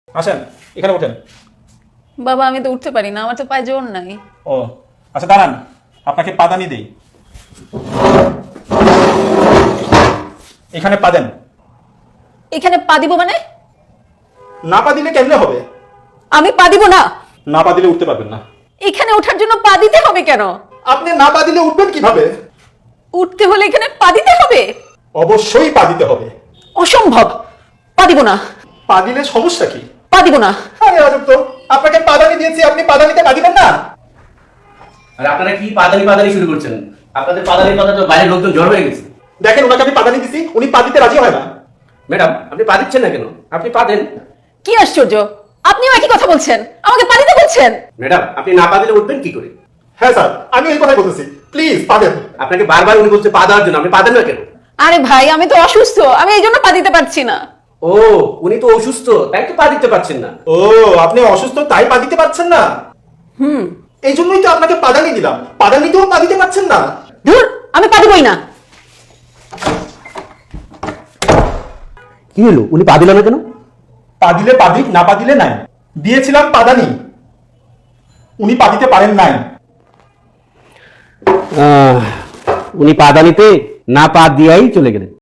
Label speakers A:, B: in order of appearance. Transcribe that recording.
A: আসেন, এখানে ওঠেন।
B: বাবা আমি তো উঠতে পারি না, আমার তো পায়ে জোর নাই।
A: ও আচ্ছা, দাঁড়ান, আপনাকে পাদানি দেই। এখানে পা দেন।
B: এখানে পা দিব মানে?
A: না পা দিলে কেমনে হবে?
B: আমি পা দিব না।
A: না পা দিলে উঠতে পারবেন না।
B: এখানে ওঠার জন্য পা দিতে হবে কেন?
A: আপনি না পা দিলে উঠবেন কিভাবে?
B: উঠতে হলে এখানে পা দিতে হবে?
A: অবশ্যই পা দিতে হবে।
B: অসম্ভব, পা দিব না।
A: পা দিলে সমস্যা কি?
B: পা দিব না।
A: আরে আজব তো, আপনাকে পাদানি দিয়েছি, আপনি পাদানিতে পা দিবেন না?
C: আর আপনারা কি পাদানি পাদানি শুরু করছেন? আপনাদের পাদানির কথা তো বাইরের লোকজন জড় হয়ে গেছে।
A: দেখেন, ওনাকে আমি পাদানি দিছি, উনি পা দিতে রাজি হয় না।
C: ম্যাডাম, আপনি পা দিচ্ছেন না কেন? আপনি পা দেন।
B: কি আশ্চর্য, আপনিও একই কথা বলছেন, আমাকে পা দিতে বলছেন।
C: ম্যাডাম, আপনি না পা দিলে উঠবেন কি করে?
A: হ্যাঁ স্যার, আমি এই কথাই বলতেছি, প্লিজ পা দেন।
C: আপনাকে বারবার উনি বলছে পা দেওয়ার জন্য, আপনি পা দেন না কেন?
B: আরে ভাই আমি তো অসুস্থ, আমি এই জন্য পা দিতে পারছি না।
C: ও, উনি তো অসুস্থ, তাই তো পা দিতে পারছেন না।
A: ও, আপনি অসুস্থ তাই পা দিতে পারছেন না? এই জন্যই তো আপনাকে পাদানি দিলাম, পাদানিতেও পা দিতে পারছেন না।
B: ধুর, আমি পা দিবই না।
C: কি হলো, উনি পা দিল না কেন?
A: পা দিলে পা দিক, না পা দিলে নাই। দিয়েছিলাম পাদানি, উনি পা দিতে পারেন নাই।
C: উনি পাদানিতে না পা দিয়াই চলে গেলেন।